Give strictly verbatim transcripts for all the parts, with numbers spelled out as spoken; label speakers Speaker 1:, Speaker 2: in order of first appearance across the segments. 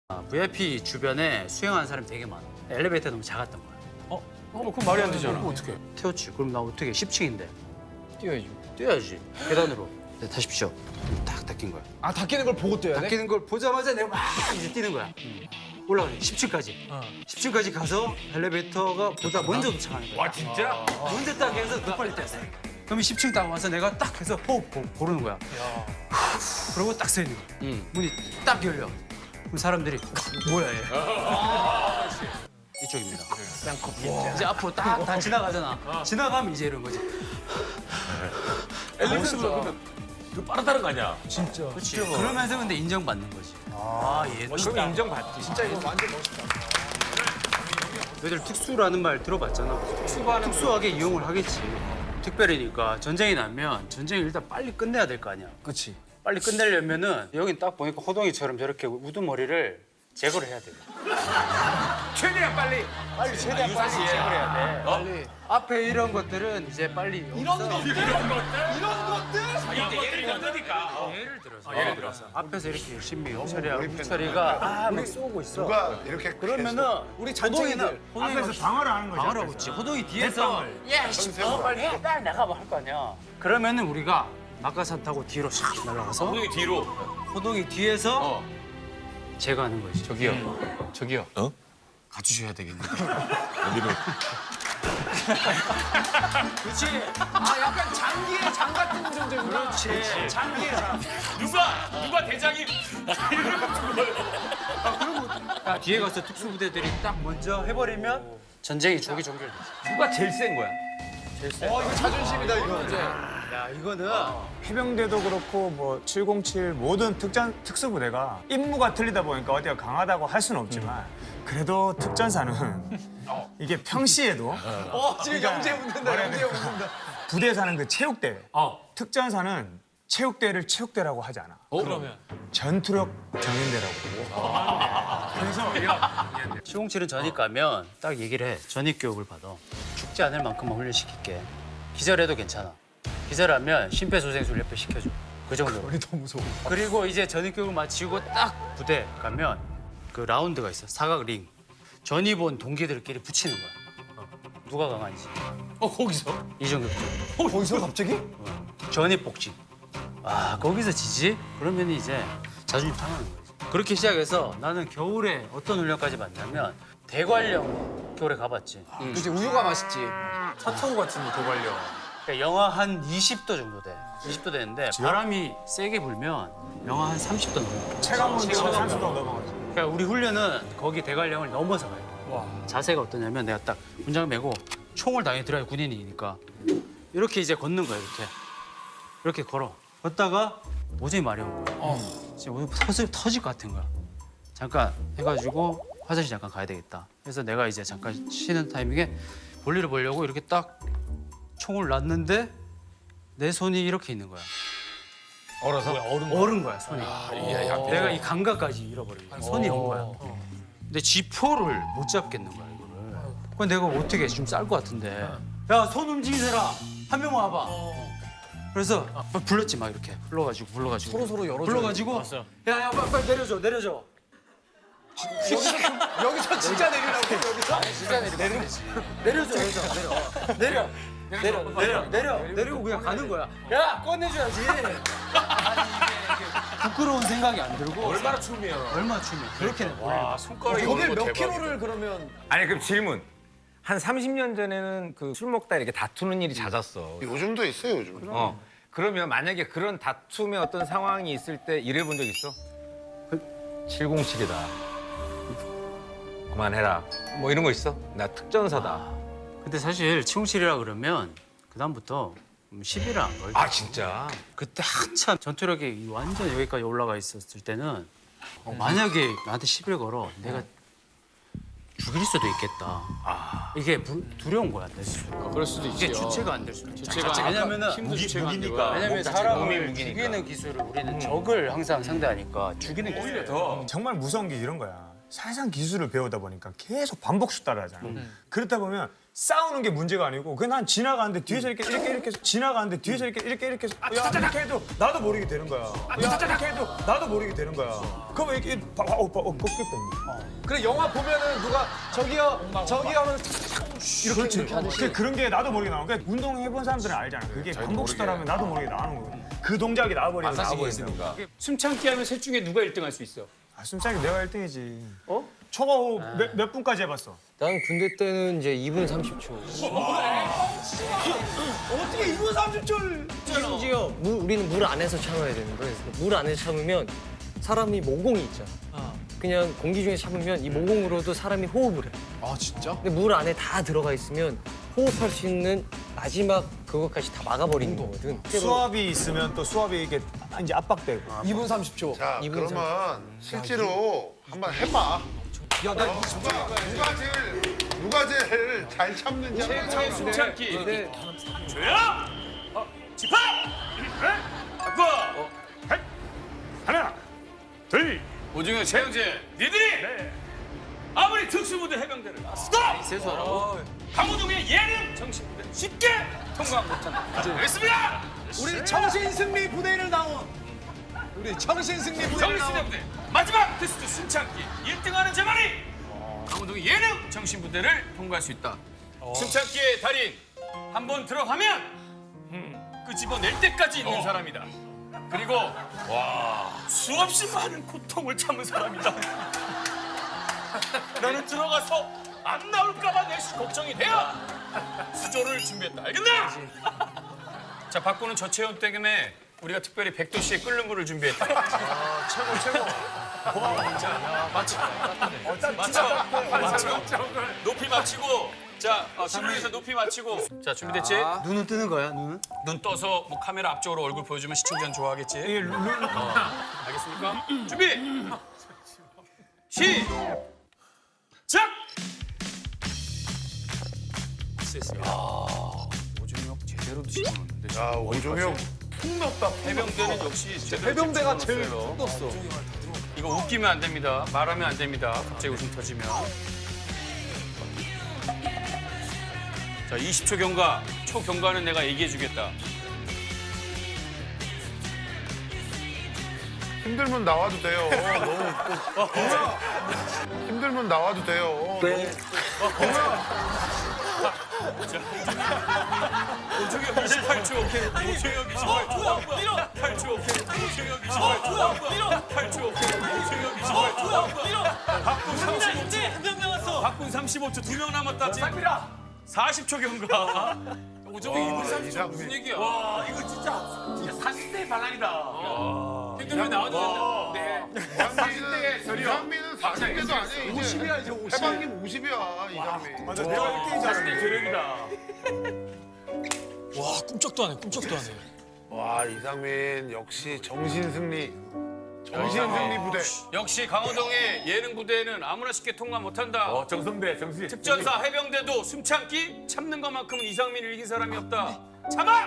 Speaker 1: 브이아이피 주변에 수영하는 사람이 되게 많아. 엘리베이터 너무 작았던 거야.
Speaker 2: 어? 어, 그럼 말이 안 되잖아.
Speaker 3: 어떻게?
Speaker 1: 태웠지. 그럼 나 어떻게 십 층인데
Speaker 2: 뛰어야지.
Speaker 1: 뛰어야지. 계단으로. 네, 타십시오. 딱 닦인 거야.
Speaker 3: 아 닦이는 걸 보고 뛰어야 돼?
Speaker 1: 닦이는 걸 보자마자 내가 막 이제 뛰는 거야. 올라가지. 십 층까지.
Speaker 2: 어.
Speaker 1: 십 층까지 가서 엘리베이터가 보다 먼저 도착하는 거야.
Speaker 2: 와 진짜?
Speaker 1: 먼저 딱 해서 더 빨리 뛰었어. 그럼 십 층 딱 와서 내가 딱 해서 호흡 고, 고르는 거야. 그러고 딱 서 있는 거야.
Speaker 2: 응.
Speaker 1: 문이 딱 열려. 그럼 사람들이 뭐야 얘. 이쪽입니다. 쌍커피. 이제 앞으로 딱 다 지나가잖아. 지나가면 이제 이런 거지.
Speaker 2: 엘리베이터가 그러면 그 빠르다는 거 아니야?
Speaker 3: 진짜.
Speaker 1: 그렇지. 그러면서 근데 인정받는 거지. 아, 얘
Speaker 2: 그럼 인정받지.
Speaker 3: 진짜 이거 완전 멋있다.
Speaker 1: 너희들 특수라는 말 들어봤잖아. 특수하게 이용을 하겠지. 특별히니까 전쟁이 나면 전쟁을 일단 빨리 끝내야 될 거 아니야.
Speaker 3: 그렇지.
Speaker 1: 빨리 끝내려면은 여긴 딱 보니까 호동이처럼 저렇게 우두머리를 제거를 해야 돼.
Speaker 2: 최대한 빨리.
Speaker 1: 빨리 최대한 빨리 제거를 해야 돼. 빨리. 앞에 이런 것들은 이제 빨리
Speaker 3: 이런 것들?
Speaker 2: 이런 것들?
Speaker 3: 이런 것들?
Speaker 2: 이게 예를 들니까.
Speaker 1: 예를 들어서 예를 들어서 앞에서 이렇게 열심히 홍철이하고 홍철이가 아막 쏘고 있어.
Speaker 4: 누가 이렇게
Speaker 1: 그러면은
Speaker 3: 우리
Speaker 1: 호동이는
Speaker 3: 잔챙이들.
Speaker 1: 호동이가
Speaker 5: 방어를 하는 거죠.
Speaker 1: 방어를 하고 있지. 호동이 뒤에서 야, 씨, 어, 빨리 해. 빨리 나가봐 할 거 아니야. 그러면은 우리가 낙하산 타고 뒤로 샥 날아가서
Speaker 2: 호동이 뒤로.
Speaker 1: 호동이 뒤에서
Speaker 2: 어.
Speaker 1: 제거하는 거지.
Speaker 2: 저기요. 저기요.
Speaker 1: 가주셔야 되겠네.
Speaker 2: 어디로?
Speaker 1: 그렇지.
Speaker 3: 아 약간 장기의 장 같은 존재구나.
Speaker 1: 그렇지. 장기의 장.
Speaker 2: 누가 누가 대장이
Speaker 1: 야, 뒤에 가서 특수부대들이 딱 먼저 해버리면 전쟁이 조기 종결되지.
Speaker 2: 누가 제일 센 거야?
Speaker 3: 어 이거 자존심이다 이거. 이제.
Speaker 1: 야, 이거는
Speaker 5: 해병대도 그렇고 뭐 칠공칠 모든 특전 특수부대가 임무가 틀리다 보니까 어디가 강하다고 할 수는 없지만 그래도 특전사는 이게 평시에도
Speaker 3: 어 지금 영재 웃는다. 영재 웃는다.
Speaker 5: 부대에 사는 그 체육대
Speaker 2: 어.
Speaker 5: 특전사는 체육대를 체육대라고 하지 않아.
Speaker 2: 그러면
Speaker 5: 전투력 경연대라고.
Speaker 1: 칠공칠은 전입 가면 딱 얘기를 해. 전입 교육을 받아. 죽지 않을 만큼만 훈련시킬게. 기절해도 괜찮아. 기절하면 심폐소생술 옆에 시켜줘. 그 정도로.
Speaker 3: 우리 너무 무서워.
Speaker 1: 그리고 이제 전입 교육을 마치고 딱 부대 가면 그 라운드가 있어. 사각 링. 전입 온 동기들끼리 붙이는 거야. 어. 누가 강한지.
Speaker 2: 어 거기서?
Speaker 1: 이 정도.
Speaker 3: 어 거기서 갑자기?
Speaker 1: 전입 복직. 아, 거기서 지지? 그러면 이제 자존심 상하는 거지. 그렇게 시작해서 나는 겨울에 어떤 훈련까지 봤냐면 대관령 겨울에 가봤지.
Speaker 3: 그렇지 우유가 맛있지.
Speaker 2: 사타구 같은 거 도발려.
Speaker 1: 그러니까 영하 한 이십 도 정도 돼. 이십 도 되는데 바람이 세게 불면 영하 한 삼십 도 넘어.
Speaker 5: 체감은 삼십 도 넘어가지.
Speaker 1: 그러니까 우리 훈련은 거기 대관령을 넘어서 가요.
Speaker 2: 와.
Speaker 1: 자세가 어떠냐면 내가 딱 군장 메고 총을 당연히 들어야 군인이니까 이렇게 이제 걷는 거야 이렇게. 이렇게 걸어. 걷다가 오줌이 마려운 거야.
Speaker 2: 어.
Speaker 1: 지금 오늘 터질, 터질 것 같은 거야. 잠깐 해가지고 화장실 잠깐 가야 되겠다. 그래서 내가 이제 잠깐 쉬는 타이밍에 볼일을 보려고 이렇게 딱 총을 놨는데 내 손이 이렇게 있는 거야.
Speaker 2: 얼어서? 얼은
Speaker 1: 얼은 거야 손이.
Speaker 2: 야, 야,
Speaker 1: 내가 이 감각까지 잃어버린 거야. 손이 온 거야. 근데 지포를 못 잡겠는 거야 이거를. 그럼 내가 어떻게 좀 쌀 것 같은데. 야 손 움직이는 사람 한 명 와봐. 그래서 막 불렀지 막 이렇게 불러가지고 불러가지고
Speaker 3: 서로 서로 열어줘.
Speaker 1: 불러가지고 야야 빨리, 빨리 내려줘 내려줘.
Speaker 3: 여기서 진짜 내리라고 여기서?
Speaker 1: 진짜 내려 내려지. 내려줘 내려줘 내려 내려 내려 내려 내려 내리고 그냥 가는 거야. 야 꺼내줘야지. 아니 이게 부끄러운 생각이 안 들고
Speaker 2: 얼마나 춤이야?
Speaker 1: 얼마 춤이 그렇게 돼.
Speaker 2: 와 손가락이
Speaker 3: 거길
Speaker 2: 오는 거
Speaker 3: 몇
Speaker 2: 대박이다.
Speaker 3: 킬로를 그러면
Speaker 6: 아니 그럼 질문. 한 삼십 년 전에는 그 술 먹다 이렇게 다투는 일이 잦았어.
Speaker 4: 요즘도 있어요 요즘.
Speaker 6: 어. 그러면 만약에 그런 다툼의 어떤 상황이 있을 때 이래 본 적 있어? 칠공칠이다. 그만해라. 뭐 이런 거 있어? 나 특전사다.
Speaker 1: 근데 사실 칠공칠이라 그러면 그 다음부터 십이라 안 걸려.
Speaker 6: 아 진짜?
Speaker 1: 그때 한참 전투력이 완전 여기까지 올라가 있었을 때는 어, 만약에 나한테 시비를 걸어 내가 죽일 수도 있겠다. 이게 부, 두려운 거야. 내 스스로.
Speaker 2: 그럴 수도 있지.
Speaker 1: 이게 주체가 안 될 수도 있어.
Speaker 2: 주체가
Speaker 1: 왜냐면은
Speaker 2: 힘도 주체가 안 되고.
Speaker 1: 왜냐면
Speaker 2: 몸
Speaker 1: 사람을
Speaker 2: 무기니까.
Speaker 1: 죽이는 기술을 우리는 적을 항상 상대하니까 죽이는 기술.
Speaker 2: 오히려 더.
Speaker 5: 정말 무서운 게 이런 거야. 사상 기술을 배우다 보니까 계속 반복수 따라하잖아. 그렇다 보면 싸우는 게 문제가 아니고 그냥 난 지나가는데 뒤에서 이렇게 이렇게 이렇게 지나가는데 뒤에서 이렇게 이렇게 이렇게 야 이렇게 해도 나도 모르게 되는 거야. 야 이렇게 해도 나도 모르게 되는 거야. 그러면 이렇게 봐, 봐, 오빠 어 꺾였다.
Speaker 3: 그래 영화 보면은 누가 저기요 저기요 하면 이렇게 이렇게 하듯이.
Speaker 5: 그 그런 게 나도 모르게 나오는 거야. 운동 해본 사람들은 알잖아. 그게 반복시더라면 나도 모르게 나오는 거야. 그 동작이 나와버리면 나와버리니까.
Speaker 1: 숨참기 하면 셋 중에 누가 일 등 할 수 있어?
Speaker 5: 아, 숨차기 내가 일 등이지. 어? 초과 몇, 몇 분까지 해봤어?
Speaker 4: 나는 군대 때는 이제 이 분 삼십 초.
Speaker 3: 어떻게 이 분 삼십 초를
Speaker 4: 심지어 물, 우리는 물 안에서 참아야 되는 거예요. 그래서 물 안에서 참으면 사람이 모공이 있잖아. 그냥 공기 중에 참으면 이 모공으로도 사람이 호흡을 해.
Speaker 3: 아 진짜?
Speaker 4: 근데 물 안에 다 들어가 있으면 호흡할 수 있는 마지막 그것까지 다 막아버리는 거거든.
Speaker 5: 수압이 있으면 또 수압이 이게 이제 압박되고.
Speaker 3: 이 분 삼십 초.
Speaker 7: 자,
Speaker 4: 이분
Speaker 7: 그러면 실제로 한번 해봐.
Speaker 3: 야, 나
Speaker 7: 어, 누가, 누가 제일, 누가 제일 잘 참는지 한번 해봐.
Speaker 1: 숨참기.
Speaker 3: 네.
Speaker 1: 조용! 어, 집합! 바꿔!
Speaker 5: 하나, 둘,
Speaker 1: 오중현, 최영재, 니들이 아무리 특수부대 해병대를 스톱! 세수하라고? 강호동의 예능 정신부대 쉽게 통과 못한다. 알겠습니다!
Speaker 3: 우리 청신승리 부대를 나온 우리 청신승리 부대를
Speaker 1: 정신부대
Speaker 3: 나온
Speaker 1: 부대 마지막 테스트 숨참기 일 등하는 제만이 강호동의 예능 정신부대를 통과할 수 있다. 숨참기의 달인 한 번 들어가면 끄집어낼 때까지 있는 사람이다. 그리고 와 수없이 많은 고통을 참은 사람이다. 나는 들어가서 안 나올까봐 내시 걱정이 돼요. 수조를 준비했다. 알겠나? 자, 바꾸는 저체온 때문에 우리가 특별히 백도 씨의 끓는 물을 준비했다.
Speaker 3: 아, 최고 최고.
Speaker 1: 맞춰. 맞춰. 맞춰. 높이 맞추고. 자, 어, 상무에서 높이 맞추고. 자, 준비됐지?
Speaker 3: 눈은 뜨는 거야, 눈은?
Speaker 1: 눈 떠서 뭐 카메라 앞쪽으로 얼굴 보여주면 시청자는 좋아하겠지?
Speaker 5: 이게 룰,
Speaker 1: 어, 알겠습니까? 준비! 시작! 됐습니다. 오준혁 제대로 드시는데
Speaker 7: 야, 오종혁 푹 넣었다.
Speaker 1: 해병대는 역시 제대로
Speaker 3: 해병대가 제일
Speaker 1: 집중을
Speaker 3: 떴어.
Speaker 1: 했어요. 이거 웃기면 안 됩니다. 말하면 안 됩니다. 갑자기 웃음 터지면. 자, 이십 초 경과. 초 경과는 내가 얘기해 주겠다.
Speaker 7: 힘들면 나와도 돼요. 너무 웃고. 힘들면 나와도 돼요. 네.
Speaker 1: 오중혁 이십팔 초. 오중혁 이십팔 초. 밀어. 팔 초. 오중혁 이십팔 초. 밀어. 팔 초. 오중혁 이십팔 초. 밀어. 박군 삼십오 초. 한명 남았어. 박군 삼십오 초. 두 명 남았다. 쌍미라. 사십 초 경과. 오중혁 이 분 삼십 초 무슨 얘기야? 와, 이거 진짜 진짜 사십 대 반란이다. 힘들면 나와도 된다. 네.
Speaker 7: 이상민은, 이상민은 사십 대도 아니에요. 이제.
Speaker 3: 오십이야 이제 오십.
Speaker 7: 해방님 오십이야, 이상민.
Speaker 5: 맞아, 내가 일 등이잖아.
Speaker 1: 대령이다.
Speaker 2: 와 꿈쩍도 안 해. 꿈쩍도 안 해.
Speaker 7: 와, 이상민 역시 정신승리. 정신승리 부대.
Speaker 1: 역시 강호동의 예능 부대는 아무나 쉽게 통과 못한다.
Speaker 2: 어 정성대 정신.
Speaker 1: 특전사 해병대도 숨참기 참는 것만큼은 이상민을 이긴 사람이 없다. 참아!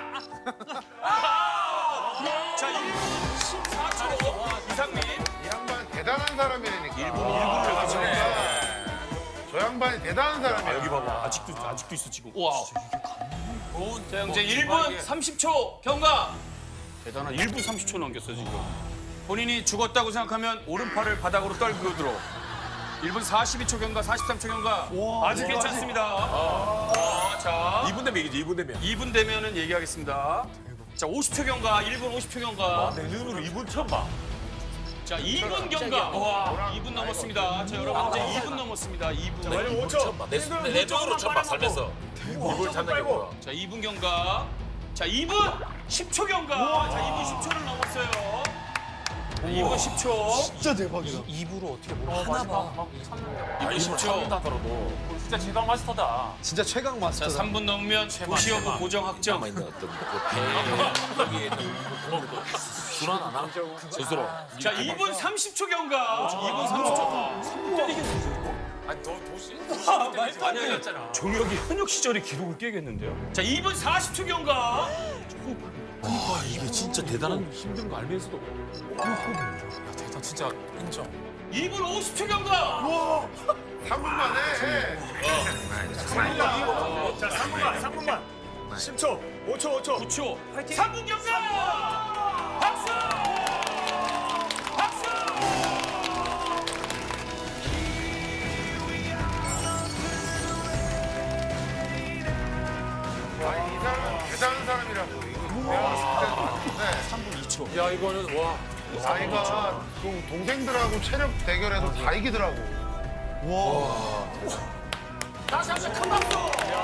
Speaker 1: 자, 일 분 십사 초 이상민.
Speaker 7: 이 양반 대단한 사람이라니까. 일본, 일본을 저 양반이 대단한 사람이야.
Speaker 2: 여기 봐봐. 아직도 아직도 있어 지금.
Speaker 1: 와. 자, 형제 일 분 삼십 초 경과. 대단한 일 분 삼십 초 넘겼어 지금. 본인이 죽었다고 생각하면 오른팔을 바닥으로 떨고 들어. 일 분 사십이 초 경과, 사십삼 초 경과. 아직 괜찮습니다. 어, 자,
Speaker 2: 이 분 되면 이기지. 이 분 되면.
Speaker 1: 이 분 되면은 얘기하겠습니다. 자, 오십 초 경과, 일 분 오십 초 경과.
Speaker 2: 내 눈으로 이 분 처음 봐.
Speaker 1: 자, 이 분 경과. 와, 이 분 넘었습니다. 자, 여러분 이제 이 분 넘었습니다. 이 분.
Speaker 2: 오 초. 내, 내 쪽으로 처음 봐. 살면서. 이분 잡는 게 뭐야?
Speaker 1: 자, 이 분 경과. 자, 이 분 십 초 경과. 자, 이 분 십 초를 넘었어요. 이 분 십 초.
Speaker 3: 진짜 대박이다.
Speaker 2: 입으로 어떻게 하나 봐.
Speaker 1: 이 분 십 초.
Speaker 2: 하더라도 진짜 최강 마스터다.
Speaker 3: 진짜 최강 마스터.
Speaker 1: 자, 삼 분 넘으면 도시여부 고정 확정.
Speaker 2: 있는 어떤 여기에 불안하나? 스스로.
Speaker 1: 자, 이 분 삼십 초 경과. 이 분 삼십 초.
Speaker 2: 아니 더 도시.
Speaker 1: 아니었잖아. 종혁이 현역 시절의 기록을 깨겠는데요. 자, 이 분 사십 초 경과.
Speaker 2: 와 이게 진짜 대단한 힘든 거 알면서도. 야 대단 진짜 인정.
Speaker 1: 이 분 오십 초 경과.
Speaker 7: 삼 분 만에.
Speaker 5: 십 초, 오 초, 오 초.
Speaker 2: 구 초. 파이팅. 삼 분 경기. 박수. 박수.
Speaker 7: 아니 이 사람은 대단한 사람이라고. 이거 내가 봤을 때는 봤는데
Speaker 2: 삼 분 이 초. 야 이거는 와.
Speaker 7: 아이가 동- 동생들하고 체력 대결에서 다 이기더라고.
Speaker 2: 다시 한번 큰 박수.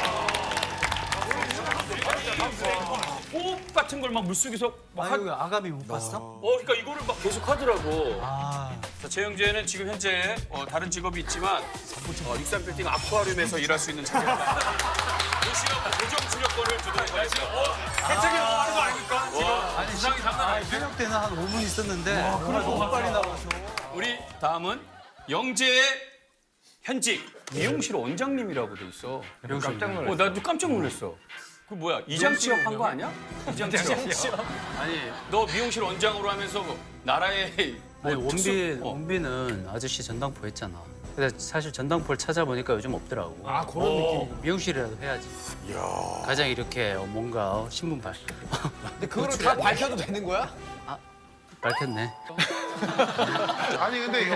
Speaker 2: 호흡 같은 걸 막 물속에서 막 하,
Speaker 1: 아유, 아가미 못 봤어?
Speaker 2: 어, 그러니까 이거를 막 계속 하더라고.
Speaker 1: 아,
Speaker 2: 자, 최영재는 지금 현재 어, 다른 직업이 있지만 어, 육삼 빌딩 아쿠아리움에서 일할 수 있는 자격이다. 도시가 고정 출력권을 주도해 지금 어, 해책이 나가는 거 아닙니까? 지금 아니, 부상이 장난 아니에요.
Speaker 1: 현역 때는 한 오 분 있었는데 그래 너무 빨리 나와서.
Speaker 2: 우리 다음은 영재의 현직 미용실 원장님이라고 돼 있어.
Speaker 6: 깜짝 놀랐어.
Speaker 2: 어, 나도 깜짝 놀랐어. 그 뭐야 이장 취업한 거 아니야? 이장 취업. 아니 너 미용실 원장으로 하면서 뭐 나라의 뭐
Speaker 1: 아니,
Speaker 2: 특수-
Speaker 1: 원빈,
Speaker 2: 어.
Speaker 1: 원빈은 아저씨 전당포 했잖아. 근데 사실 전당포를 찾아보니까 요즘 없더라고.
Speaker 3: 아 그런 느낌.
Speaker 1: 미용실이라도 해야지. 가장 이렇게 어, 뭔가 신문 발
Speaker 3: 근데 그거를 다 밝혀도 되는 거야?
Speaker 1: 밝혔네.
Speaker 7: 아니 근데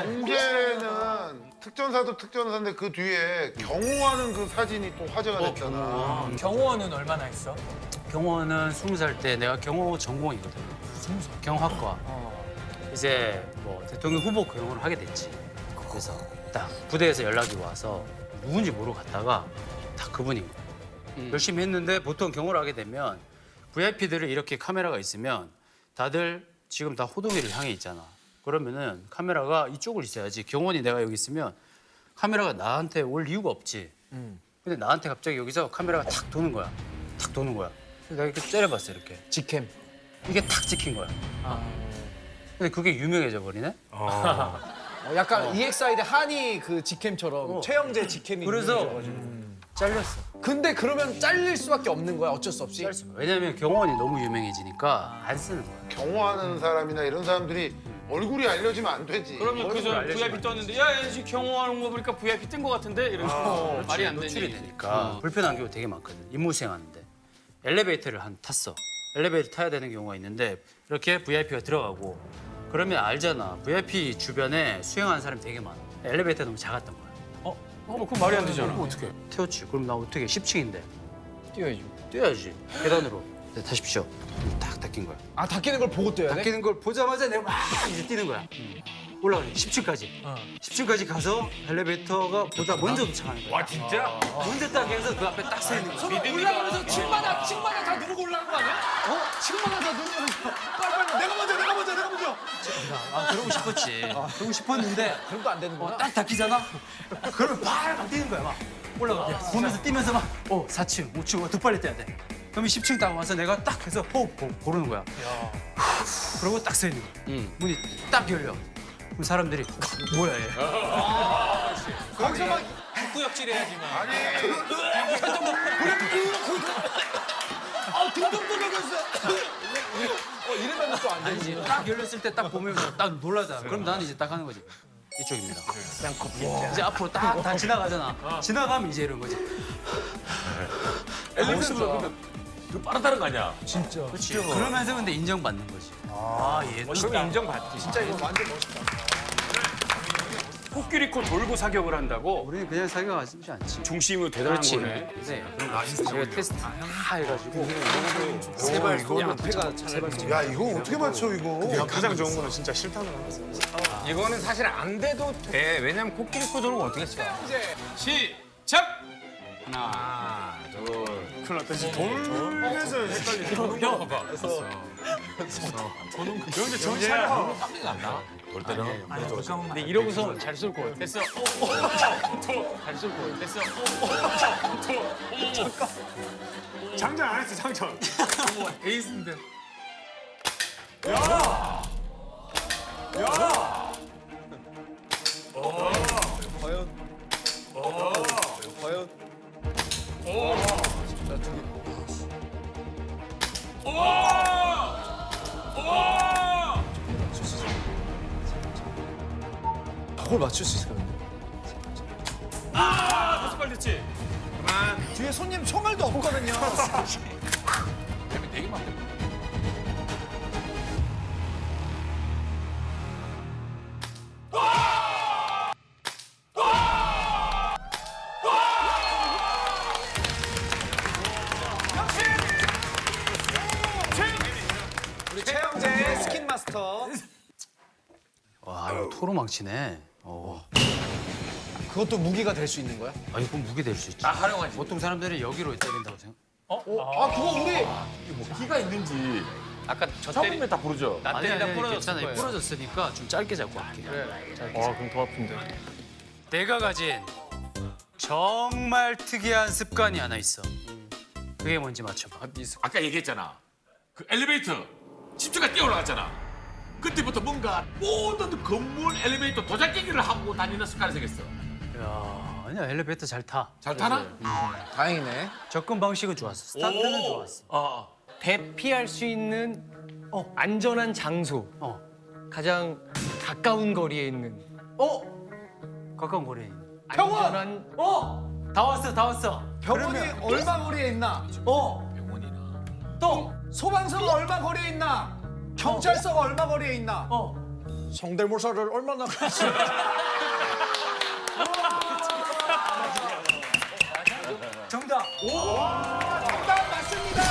Speaker 7: 영재는 특전사도 특전사인데 그 뒤에 경호하는 그 사진이 또 화제가 됐잖아.
Speaker 3: 경호원은 얼마나 했어?
Speaker 1: 경호는 스무 살 때 내가 경호 전공이거든. 경호학과. 이제 뭐 대통령 후보 경호를 하게 됐지. 그래서 딱 부대에서 연락이 와서 누군지 모르고 갔다가 다 그분인 거야. 열심히 했는데 보통 경호를 하게 되면 브이아이피들을 이렇게 카메라가 있으면 다들 지금 다 호동이를 향해 있잖아. 그러면은 카메라가 이쪽을 있어야지. 경호원이 내가 여기 있으면 카메라가 나한테 올 이유가 없지. 근데 나한테 갑자기 여기서 카메라가 탁 도는 거야. 탁 도는 거야. 그래서 내가 이렇게 째려봤어 이렇게.
Speaker 3: 직캠.
Speaker 1: 이게 탁 찍힌 거야. 근데 그게 유명해져 버리네.
Speaker 3: 어, 약간 이엑스아이 대 한이 그 직캠처럼 최영재 직캠이
Speaker 1: 그래서
Speaker 3: 유명해져가지고.
Speaker 1: 잘렸어.
Speaker 3: 근데 그러면 잘릴 수밖에 없는 거야 어쩔 수 없이.
Speaker 1: 짤 수가. 왜냐면 경호원이 너무 유명해지니까 안 쓰는 거야.
Speaker 7: 경호하는 사람이나 이런 사람들이 얼굴이 알려지면 안 되지.
Speaker 2: 그러면 그저 브이아이피 떴는데 야, 얘 지금 경호하는 거 보니까 브이아이피 뜬 거 같은데 이러면서 말이 안
Speaker 1: 노출이
Speaker 2: 되니.
Speaker 1: 되니까 불편한 경우 되게 많거든. 임무수행 하는데 엘리베이터를 한 탔어. 엘리베이터 타야 되는 경우가 있는데 이렇게 브이아이피가 들어가고 그러면 알잖아. 브이아이피 주변에 수행하는 사람이 되게 많아. 엘리베이터 너무 작았던 거야.
Speaker 2: 어, 그럼 말이 안 되잖아. 어떻게?
Speaker 1: 태웠지. 그럼 나 어떻게 십 층인데
Speaker 4: 뛰어야죠.
Speaker 1: 뛰어야지. 계단으로. 네, 타십시오. 딱 닦인 거야.
Speaker 3: 아 닦이는 걸 보고 뛰어야 돼?
Speaker 1: 닦이는 걸 보자마자 내가 막 이제 뛰는 거야. 올라가지. 십 층까지. 십 층까지 가서 엘리베이터가 보다 먼저 도착하는 거야.
Speaker 2: 와 진짜?
Speaker 1: 먼저 딱 해서 그 앞에 딱 서 있는 거야.
Speaker 3: 올라가면서 층마다 층마다 다 누르고 올라간 거 아니야? 어? 층마다 다 누르면서 빨리빨리 내가 먼저 내가 먼저 내가 먼저.
Speaker 1: 아, 그러고 싶었지. 그러고 싶었는데
Speaker 3: 그럼 또 안 되는 거야?
Speaker 1: 딱 닦이잖아? 그러면 막 뛰는 거야, 막. 올라가. 보면서 뛰면서 막, 어, 사 층, 오 층, 어, 더 빨리 뛰어야 돼. 그러면 십 층 딱 와서 내가 딱 해서 호흡 고, 고르는 거야. 후, 그러고 딱 서 있는 거야. 문이 딱 열려. 그럼 사람들이, 뭐야, 얘.
Speaker 3: 거기서 막
Speaker 2: 구역질해야지만.
Speaker 7: 아니
Speaker 3: 아, 등등등등했어. 어, 이러면 또 안 되지.
Speaker 1: 아니지. 딱 열렸을 때 딱 보면 딱 놀라잖아. 그럼 나는 이제 딱 하는 거지. 이쪽입니다. 그냥 커피. 이제 앞으로 딱 다 지나가잖아. 지나가면 이제 이런 거지.
Speaker 2: 엘리베이터가 그러면 그 빠르다는 거 아니야?
Speaker 1: 그렇지. 그러면서 근데 인정받는 거지. 아, 얘
Speaker 2: 그럼 인정받지.
Speaker 3: 진짜 이거 완전 멋있다.
Speaker 2: 코끼리코 돌고 사격을 한다고
Speaker 1: 우리는 그냥 사격하지 않지.
Speaker 2: 중심으로 대단한
Speaker 1: 그렇지.
Speaker 2: 거네.
Speaker 1: 네. 제가 테스트 다 해가지고
Speaker 3: 세발 이거는 패가 세발.
Speaker 7: 야 이거 어떻게 맞춰 이거?
Speaker 5: 가장 좋은 거는 진짜 실탄을 하는 거야.
Speaker 6: 이거는 사실 안 돼도 돼. 왜냐면 코끼리코 도는 거 어떻게 쳐?
Speaker 2: 시작. 하나, 둘.
Speaker 5: 큰일 났다. 지금 돌면서 헷갈리지.
Speaker 2: 형, 봐봐.
Speaker 5: 근데 정신 차려.
Speaker 4: 근데 이러고서 잘 쏠 거예요.
Speaker 2: 됐어. 잘 쏠 거예요. 됐어.
Speaker 5: 장전 안 했어, 장전.
Speaker 2: 에이스인데.
Speaker 3: 그걸 맞출 수 있을까?
Speaker 2: 아, 벌써 빨리 됐지.
Speaker 3: 뒤에 손님 총알도 없거든요.
Speaker 2: 되게 많겠다.
Speaker 3: 우리 최영재 스킨 마스터.
Speaker 1: 와 이거 토로망치네. 어.
Speaker 3: 그것도 무기가 될 수 있는 거야?
Speaker 1: 아 이거 무기 될 수 있지.
Speaker 2: 아, 활용하지.
Speaker 1: 보통 사람들이 여기로 때린다고 생각.
Speaker 3: 아 그거 우리
Speaker 2: 기가 있는지.
Speaker 6: 아까 저
Speaker 2: 처음에
Speaker 6: 때리
Speaker 2: 다 부르죠.
Speaker 6: 나
Speaker 1: 아니
Speaker 6: 때리다
Speaker 1: 아니
Speaker 6: 부러졌을
Speaker 1: 괜찮아.
Speaker 6: 거예요.
Speaker 1: 부러졌으니까 좀 짧게 잡고 할게.
Speaker 4: 와 그럼 더 아픈데.
Speaker 1: 내가 가진 정말 특이한 습관이 하나 있어. 그게 뭔지 맞춰봐.
Speaker 2: 아까 얘기했잖아. 그 엘리베이터 집주가 뛰어 올라갔잖아. 그때부터 뭔가 모든 건물 엘리베이터 도장깨기를 하고 다니는 습관이 생겼어.
Speaker 1: 야 아니야 엘리베이터 잘 타.
Speaker 2: 잘 타나?
Speaker 3: 다행이네.
Speaker 1: 접근 방식은 좋았어. 스타트는
Speaker 2: 오.
Speaker 1: 좋았어.
Speaker 2: 어.
Speaker 4: 대피할 수 있는 어, 안전한 장소.
Speaker 1: 어.
Speaker 4: 가장 가까운 거리에 있는
Speaker 1: 어? 가까운 거리에 있는.
Speaker 3: 병원!
Speaker 4: 안전한
Speaker 1: 어! 다 왔어 다 왔어.
Speaker 3: 병원이 얼마 거리에 있나? 어.
Speaker 2: 병원이나.
Speaker 3: 또 소방서가 얼마 거리에 있나? 경찰서가 얼마 거리에 있나?
Speaker 1: 어.
Speaker 3: 성대모사를 얼마나
Speaker 1: 정답.
Speaker 3: 정답 맞습니다.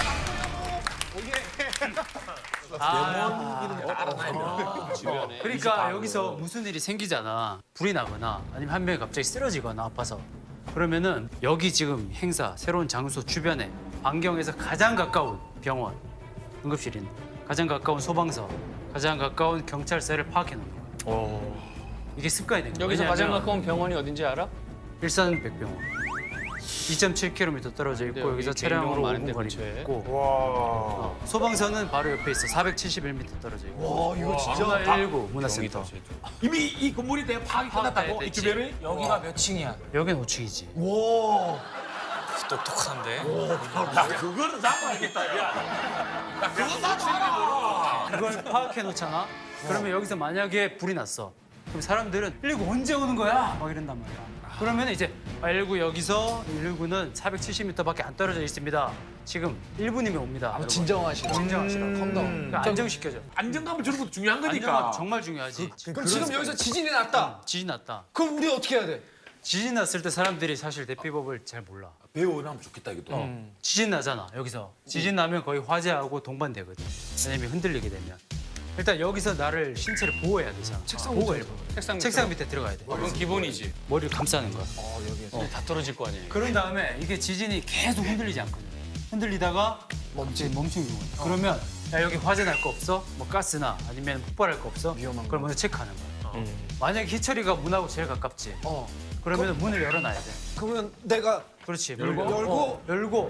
Speaker 1: 그러니까 여기서 무슨 일이 생기잖아. 불이 나거나 아니면 한 명이 갑자기 쓰러지거나 아파서. 그러면은 여기 지금 행사, 새로운 장소 주변에 반경에서 가장 가까운 병원, 응급실인, 가장 가까운 소방서, 가장 가까운 경찰서를 파악해 놓는 거야. 이게 습관이 된 거야.
Speaker 6: 여기서 가장
Speaker 1: 왜냐면
Speaker 6: 가까운 병원이 어딘지 알아?
Speaker 1: 일산 백병원. 이 점 칠 킬로미터 떨어져 있고
Speaker 6: 여기
Speaker 1: 여기서
Speaker 6: 개인
Speaker 1: 차량으로
Speaker 6: 병원
Speaker 1: 오
Speaker 6: 많은데
Speaker 1: 분 거리
Speaker 6: 근처에.
Speaker 1: 있고
Speaker 5: 와.
Speaker 1: 어, 소방서는 바로 옆에 있어. 사백칠십일 미터 떨어져 있고.
Speaker 3: 와 이거 진짜
Speaker 1: 코로나십구 문화센터.
Speaker 2: 이미 이 건물에 대한 파악이 끝났다고? 이
Speaker 1: 됐지.
Speaker 2: 주변을?
Speaker 3: 여기가 몇 층이야?
Speaker 1: 여긴 오 층이지.
Speaker 3: 와.
Speaker 4: 똑똑한데.
Speaker 2: 야, 그거는 나도 알겠다, 야. 야, 그건 나도 알아.
Speaker 1: 그걸 파악해 놓잖아. 그러면 여기서 만약에 불이 났어. 그럼 사람들은 일일구 언제 오는 거야? 막 이런단 말이야. 그러면 이제 일일구 여기서 일일구는 사백칠십 미터밖에 안 떨어져 있습니다. 지금 일 분이면 옵니다. 여러분.
Speaker 3: 진정하시라.
Speaker 1: 진정하시라.
Speaker 3: 컴다운.
Speaker 1: 그러니까 안정시켜줘.
Speaker 2: 안정감을 주는 것도 중요한 거니까.
Speaker 1: 안정감 정말 중요하지.
Speaker 3: 그럼 지금 여기서 지진이 났다.
Speaker 1: 지진 났다.
Speaker 3: 그럼 우리 어떻게 해야 돼?
Speaker 1: 지진 났을 때 사람들이 사실 대피법을 잘 몰라.
Speaker 2: 배우면 좋겠다, 이것도.
Speaker 1: 어. 지진 나잖아 여기서. 지진 나면 거의 화재하고 동반되거든. 왜냐면 흔들리게 되면. 일단 여기서 나를 신체를 보호해야 되잖아. 책상 보호해.
Speaker 6: 책상 밑으로?
Speaker 1: 책상 밑에 들어가야 돼.
Speaker 6: 그건 기본이지.
Speaker 1: 머리를 감싸는 거야.
Speaker 6: 어, 다 떨어질 거 아니에요.
Speaker 1: 그런 다음에 이게 지진이 계속 흔들리지 않거든. 흔들리다가 멈추 멈추는 경우야. 그러면 야 여기 화재 날 거 없어? 뭐 가스나 아니면 폭발할 거 없어?
Speaker 3: 위험한
Speaker 1: 그걸
Speaker 3: 거.
Speaker 1: 먼저 체크하는 거야. 만약에 희철이가 문하고 제일 가깝지.
Speaker 3: 어.
Speaker 1: 그러면 문을 열어놔야 돼.
Speaker 3: 그러면 내가
Speaker 1: 그렇지.
Speaker 3: 열고 열고
Speaker 1: 어, 열고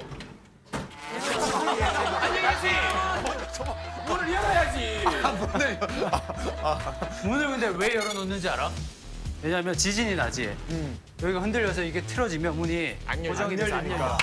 Speaker 2: 문을 열어야지.
Speaker 1: 문을 근데 왜 열어놓는지 알아? 왜냐하면 지진이 나지. 여기가 흔들려서 이게 틀어지면 문이 고정이 돼서 안 열려.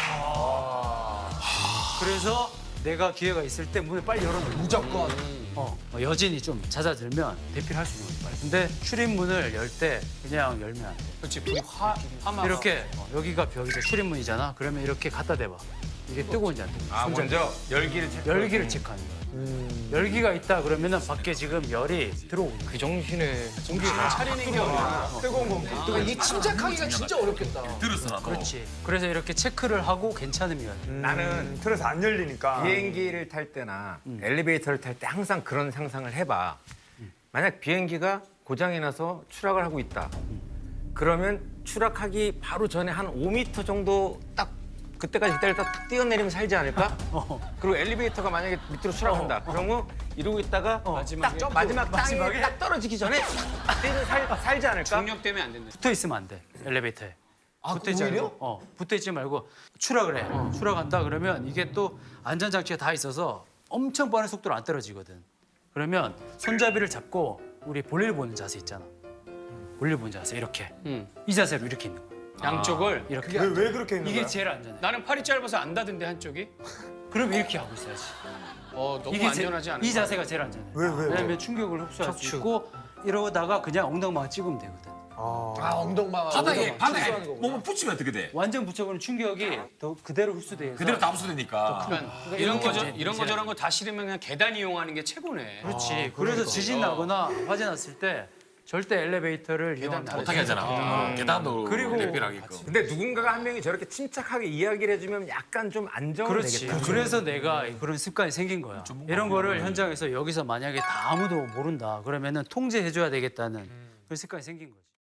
Speaker 1: 그래서 내가 기회가 있을 때 문을 빨리 열어놓는 거야.
Speaker 3: 무조건.
Speaker 1: 어, 어, 여진이 좀 잦아들면 대피를 할 수 있는 거지. 빨리. 근데 출입문을 열 때 그냥 열면 안 돼.
Speaker 6: 그렇지. 불이 화, 화마.
Speaker 1: 이렇게 어, 여기가 벽이죠. 출입문이잖아. 그러면 이렇게 갖다 대봐. 이게 뜨거운지 안 뜨거운지.
Speaker 6: 아, 먼저 열기를 체크.
Speaker 1: 열기를 체크하는 거야. 열기가 있다 그러면은 밖에 지금 열이 들어오는 거야.
Speaker 4: 그 정신에
Speaker 1: 공기가 차리는 게 어려워.
Speaker 5: 뜨거운 공기.
Speaker 3: 그러니까 이게 침착하기가 진짜 어렵겠다.
Speaker 2: 들었어, 나도.
Speaker 1: 그렇지. 그래서 이렇게 체크를 하고 괜찮으면
Speaker 5: 나는 틀에서 안 열리니까.
Speaker 6: 비행기를 탈 때나 엘리베이터를 탈 때 항상 그런 상상을 해봐. 만약 비행기가 고장이 나서 추락을 하고 있다. 그러면 추락하기 바로 전에 한 오 미터 정도 딱 그때까지 기다렸다 딱 뛰어내리면 살지 않을까? 그리고 엘리베이터가 만약에 밑으로 추락한다. 그러면 이러고 있다가 딱 저 마지막 땅에 딱 떨어지기 전에 뛰면 살, 살지 않을까? 중력 때문에 안 된다.
Speaker 1: 붙어 있으면 안 돼. 엘리베이터에.
Speaker 3: 아,
Speaker 1: 붙어 있지
Speaker 3: 오히려?
Speaker 1: 말고. 어, 붙어 있지 말고 추락을 해. 추락한다 그러면 이게 또 안전 장치가 다 있어서 엄청 빠른 속도로 안 떨어지거든. 그러면 손잡이를 잡고 우리 볼일 보는 자세 있잖아. 볼일 보는 자세 이렇게. 이 자세로 이렇게 있는 거야.
Speaker 6: 양쪽을.
Speaker 1: 이렇게.
Speaker 5: 왜, 왜 그렇게 있는
Speaker 1: 이게
Speaker 5: 거야?
Speaker 1: 제일 안전해.
Speaker 6: 나는 팔이 짧아서 안 닿던데 한쪽이.
Speaker 1: 그럼 이렇게 하고 있어야지.
Speaker 6: 어, 너무
Speaker 1: 이게
Speaker 6: 안전하지
Speaker 1: 제,
Speaker 6: 않은
Speaker 1: 이 자세가 제일 안전해.
Speaker 5: 왜, 왜, 왜?
Speaker 1: 왜냐면 충격을 흡수할 수 있고 이러다가 그냥 엉덩방아 찍으면 되거든.
Speaker 3: 아 엉덩방.
Speaker 8: 바닥에 바닥에 몸을 붙이면 어떻게 돼?
Speaker 1: 완전 붙여보는 충격이 더 그대로 흡수돼서
Speaker 8: 그대로 다 흡수되니까.
Speaker 2: 그러니까 이런 거 저, 이런 거 저런 거 다 싫으면 그냥 계단 이용하는 게 최고네.
Speaker 1: 그렇지. 그래서 지진 나거나 화재 났을 때 절대 엘리베이터를 이용
Speaker 8: 못하게 하잖아. 계단도
Speaker 1: 그리고
Speaker 8: 대피하게끔.
Speaker 6: 근데 누군가가 한 명이 저렇게 침착하게 이야기를 해주면 약간 좀 안정이
Speaker 1: 그렇지.
Speaker 6: 되겠다.
Speaker 1: 그래서 내가 그런 습관이 생긴 거야. 이런 거를 현장에서 여기서 만약에 다 아무도 모른다 그러면은 통제해줘야 되겠다는 그런 습관이 생긴 거지.